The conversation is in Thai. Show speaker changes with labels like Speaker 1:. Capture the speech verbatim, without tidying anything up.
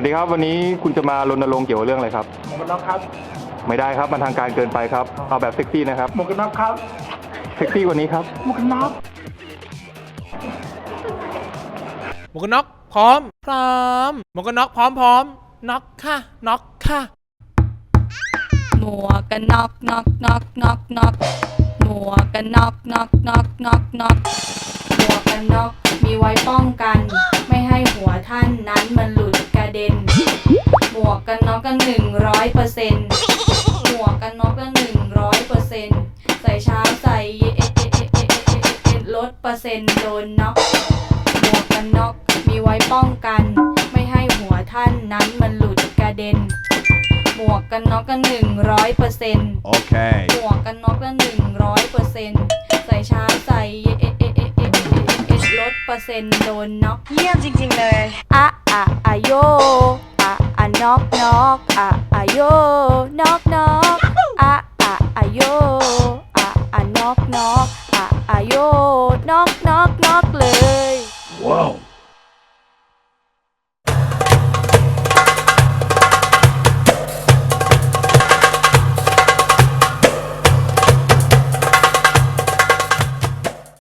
Speaker 1: วัสดีครับวันนี้คุณจะมารณรงค์เกี่ยวกับเรื่องอะไรครับ
Speaker 2: หมวกกันน็อกครับ
Speaker 1: ไม่ได้ครับมันทางการเกินไปครับเอาแบบเซ็กซี่นะครับ
Speaker 2: หมวกกันน็อกครับ
Speaker 1: เซ็กซี่กว่านี้ครับ
Speaker 2: หมวกกันน็อก
Speaker 3: หมวกกันน็อกพร้อมพร้อมหมวกกันน็อกพร้อมพร้อมน็อกค่ะน็อกค่ะ
Speaker 4: หมวกกันน็อกน็อกน็อกน็อกน็อกหมวกกันน็อกน็อกน็อกน็อกน็อกหมวกกันน็อกมีไว้ป้องกันไม่ให้หัวท่านนั้นมันหลุดกระเด็นหมวกกันน็อกกันหนึ่งร้อยเปอร์เซ็นต์หมวกกันน็อกกันหนึ่งร้อยเปอร์เซ็นต์ใส่เช้าใส่เย็นลดเปอร์เซ็นต์โดนน็อกหมวกกันน็อกมีไว้ป้องกันไม่ให้หัวท่านนั้นมันหลุดกระเด็นหมวกกันน็อกกันหนึ่งร้อยเปอร์เซ็นต์โอเคหมวกกันน็อกกันหนึ่งร้อยเปอร์เซ็นต์ใส่เช้าใส่เย็นลดเปอร์เซ็นต์โดนน็อก
Speaker 5: เยี่ยมจริงๆเลย
Speaker 4: อะอะอะโยอะอะน็อกน็อกอะอะโยน็อกน็อกอะอะอะโย